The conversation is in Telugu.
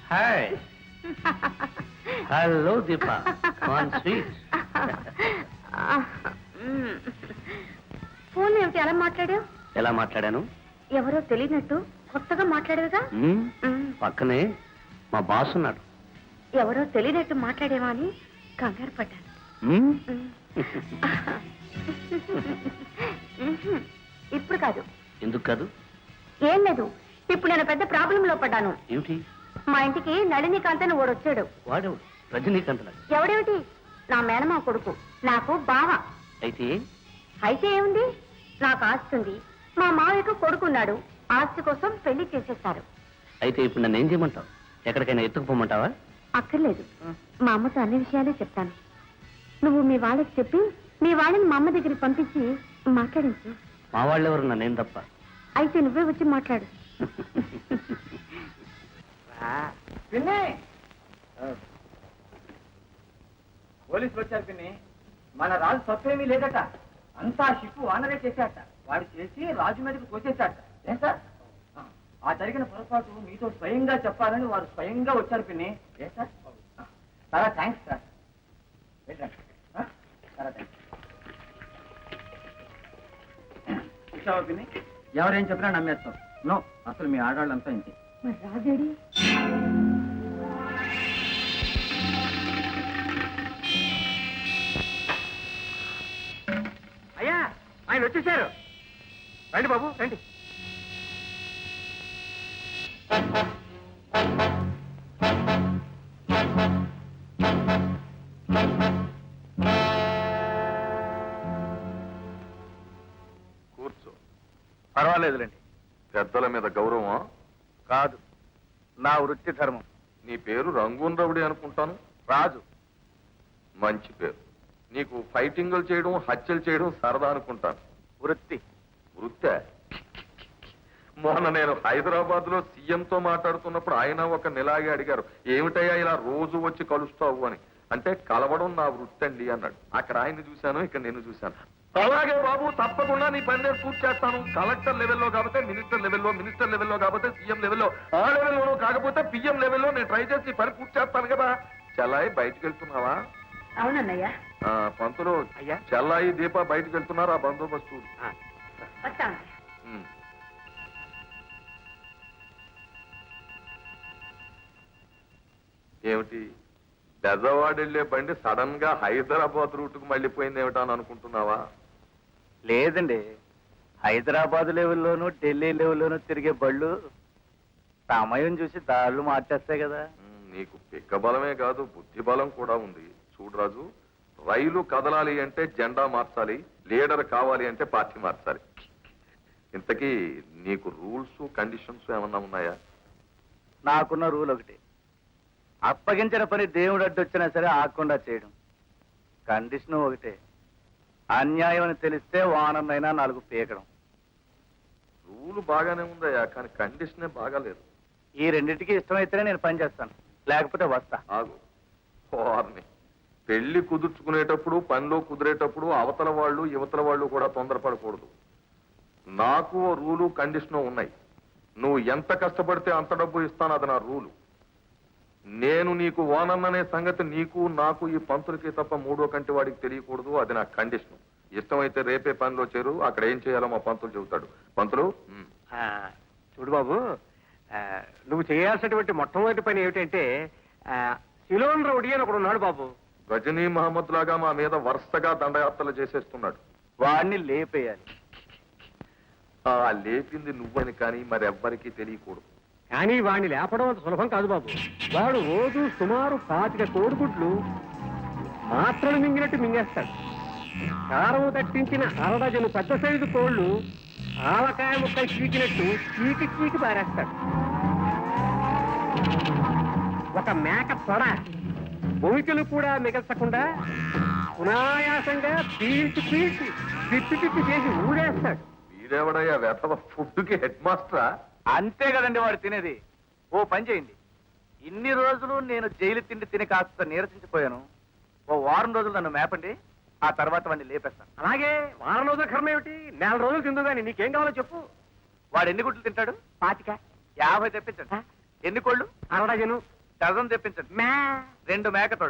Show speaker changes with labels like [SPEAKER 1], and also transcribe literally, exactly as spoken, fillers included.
[SPEAKER 1] హాయ్. హలో దీపా. ఆన్ స్వీట్.
[SPEAKER 2] ఫోన్ ఏమిటి అలా మాట్లాడావు?
[SPEAKER 1] ఎలా మాట్లాడాను?
[SPEAKER 2] ఎవరో తెలియనట్టు కొత్తగా మాట్లాడేవిగా.
[SPEAKER 1] పక్కనే మా బాస్ ఉన్నాడు.
[SPEAKER 2] ఎవరో తెలియనట్టు మాట్లాడేవా అని కంగారు పడ్డాను. ఇప్పుడు కాదు.
[SPEAKER 1] ఎందుకు కాదు?
[SPEAKER 2] ఏం లేదు, ఇప్పుడు నేను పెద్ద ప్రాబ్లంలో పడ్డాను.
[SPEAKER 1] ఏమిటి?
[SPEAKER 2] మా ఇంటికి నళినీకాంత్ అని ఓడు వచ్చాడు.
[SPEAKER 1] వాడెవడు? రజనీకాంత్.
[SPEAKER 2] ఎవడేమిటి? నా మేనమా కొడుకు, నాకు బావ.
[SPEAKER 1] అయితే
[SPEAKER 2] అయితే ఏముంది, నాకు ఆస్తి ఉంది, మా మావయ్యకు కొడుకున్నాడు, ఆస్తి కోసం పెళ్లి చేసేస్తారు.
[SPEAKER 1] అయితే ఇప్పుడు నన్ను ఏం చేయమంటావు? ఎక్కడికైనా ఎత్తుకుపోమంటావా?
[SPEAKER 2] అక్కర్లేదు, మా అమ్మతో అన్ని విషయాలే చెప్తాను. నువ్వు మీ వాళ్ళకి చెప్పి మీ వాళ్ళని మా అమ్మ దగ్గరికి పంపించి మాట్లాడించు.
[SPEAKER 1] మా వాళ్ళెవరు? నన్నేం తప్ప.
[SPEAKER 2] అయితే నువ్వే వచ్చి మాట్లాడు.
[SPEAKER 3] పోలీసులు వచ్చారు పిన్ని. మన రాజు తప్పేమీ లేదట, అంతా షిప్పు వానరే చేశాట. వాడు చేసి రాజు మీదకి తోచేశాట. ఏం సార్, ఆ జరిగిన పొరపాటు మీతో స్వయంగా చెప్పాలని వారు స్వయంగా వచ్చారు పిన్ని. ఏ సార్, చాలా థ్యాంక్స్ సార్. వెళ్ళండి. చాలా థ్యాంక్స్. చూసావా పిన్ని, ఎవరేం చెప్పినా నమ్మేస్తాం. నో, అసలు మీ ఆడవాళ్ళంతా ఇంతే.
[SPEAKER 2] మరి రాజేడి?
[SPEAKER 3] అయ్యా, ఆయన వచ్చేసారు. రండి బాబు, రండి.
[SPEAKER 4] కూర్చో.
[SPEAKER 5] పర్వాలేదులేండి.
[SPEAKER 4] పెద్దల మీద గౌరవం
[SPEAKER 5] కాదు, నా వృత్తి ధర్మం.
[SPEAKER 4] నీ పేరు రంగూన్ రవుడి అనుకుంటాను.
[SPEAKER 5] రాజు.
[SPEAKER 4] మంచి పేరు. నీకు ఫైటింగులు చేయడం, హత్యలు చేయడం సరదా అనుకుంటాను.
[SPEAKER 5] వృత్తి.
[SPEAKER 4] వృత్తే? మొన్న నేను హైదరాబాద్ లో సీఎంతో మాట్లాడుతున్నప్పుడు ఆయన ఒక నిలాగే అడిగారు, ఏమిటయ్యా ఇలా రోజు వచ్చి కలుస్తావు అని. అంటే కలవడం నా వృత్తి అండి అన్నాడు. అక్కడ ఆయన్ని చూశాను, ఇక్కడ నేను చూశాను. అలాగే బాబు, తప్పకుండా నీ పని నేను పూర్తి చేస్తాను. కలెక్టర్ లెవెల్లో కాకపోతే మినిస్టర్ లెవెల్లో, మినిస్టర్ లెవెల్లో కాకపోతే సీఎం లెవెల్లో, ఆ లెవెల్లోనూ కాకపోతే పిఎం లెవెల్లో నేను ట్రై చేసి పని పూర్తి చేస్తాను కదా. చెల్లాయి బయటికి వెళ్తున్నావా?
[SPEAKER 2] అవునన్నయ్యా.
[SPEAKER 4] పంతులు, చెల్లాయి దీప బయటికి వెళ్తున్నారు. ఆ బందోబస్తు
[SPEAKER 2] వస్తాను.
[SPEAKER 4] ఏమిటి, బెజవాడ వెళ్లే బండి సడన్ గా హైదరాబాద్ రూట్ కు మళ్ళీపోయింది ఏమిటా అని అనుకుంటున్నావా?
[SPEAKER 5] లేదండి, హైదరాబాద్ లెవెల్లోనూ ఢిల్లీ లెవెల్లోనూ తిరిగే బళ్ళు సమయం చూసి దాళ్ళు మార్చేస్తాయి కదా.
[SPEAKER 4] నీకు పిక్క బలమే కాదు, బుద్ధి బలం కూడా ఉంది. చూడు రాజు, రైలు కదలాలి అంటే జెండా మార్చాలి, లీడర్ కావాలి అంటే పార్టీ మార్చాలి. ఇంతకీ నీకు రూల్స్ కండిషన్స్ ఏమన్నా ఉన్నాయా?
[SPEAKER 5] నాకున్న రూల్ ఒకటి, అప్పగించిన పని దేవుడు అడ్డొచ్చినా సరే ఆకుండా చేయడం. కండిషన్ ఒకటే, అన్యాయం అని తెలిస్తే వానమైనా నాలుగు పీకడం.
[SPEAKER 4] రూల్ బాగానే ఉందయ్యా, కానీ కండిషనే బాగాలేదు.
[SPEAKER 5] ఈ రెండింటికి ఇష్టమైతేనే నేను పని చేస్తాను, లేకపోతే వస్తా.
[SPEAKER 4] ఆగు. వారిని పెళ్లి కుదుర్చుకునేటప్పుడు, పనిలో కుదిరేటప్పుడు అవతల వాళ్ళు యువతల వాళ్ళు కూడా తొందరపడకూడదు. నాకు రూలు కండిషను ఉన్నాయి. నువ్వు ఎంత కష్టపడితే అంత డబ్బు ఇస్తాను, అది నా రూలు. నేను నీకు ఓనన్ననే సంగతి నీకు నాకు ఈ పంతులకి తప్ప మూడో కంటి వాడికి తెలియకూడదు, అది నా కండిషన్. ఇష్టమైతే రేపే పనిలో చేరు, అక్కడ ఏం చేయాలో మా పంతులు చెబుతాడు. పంతులు,
[SPEAKER 3] చూడు బాబు, నువ్వు చేయాల్సినటువంటి మొట్టమొదటి పని ఏమిటంటే, సిలోన్ రౌడీ అని ఒకడు ఉన్నాడు బాబు.
[SPEAKER 4] గజనీ మహమ్మద్ లాగా మా మీద వరుసగా దండయాత్రలు చేసేస్తున్నాడు.
[SPEAKER 5] వాడిని లేపేయాలి.
[SPEAKER 4] ఆ లేపింది నువ్వని కానీ మరెవ్వరికీ తెలియకూడదు.
[SPEAKER 3] కానీ వాడిని లేపడం అంత సులభం కాదు బాబు. వాడు రోజు సుమారు పాతిక కోడిగుడ్లు మాత్రలు మింగినట్టు మింగేస్తాడు. కారం దట్టించిన అరడజను పెద్ద సైజు కోళ్లు ఆవకాయ ముక్కలు చీకినట్టు చీకి చీకి పారేస్తాడు. ఒక మేక తొడ భూమికలు కూడా మిగల్చకుండా సునాయాసంగా పీల్చి పీల్చి పిప్పి పిప్పి చేసి ఊడేస్తాడు.
[SPEAKER 4] వీడెవడయ్యా వెతవ ఫుడ్కి హెడ్ మాస్టరా?
[SPEAKER 5] అంతే కదండి వాడు తినేది. ఓ పని చేయండి, ఇన్ని రోజులు నేను జైలు తిండి తిని కాస్త నీరసించిపోయాను, ఓ వారం రోజులు నన్ను మేపండి, ఆ తర్వాత వాడిని లేపేస్తాను.
[SPEAKER 3] అలాగే వారం రోజుల కర్మ ఏమిటి, నెల రోజులు తిందు కానీ నీకేం కావాలో చెప్పు.
[SPEAKER 5] వాడు ఎన్ని గుడ్లు తింటాడు?
[SPEAKER 2] పాతిక.
[SPEAKER 5] యాభై తెప్పించండి. ఎన్ని కోళ్ళు?
[SPEAKER 3] అరడజను.
[SPEAKER 5] డజన్ తెప్పించండి రెండు మేకతోళ్ళు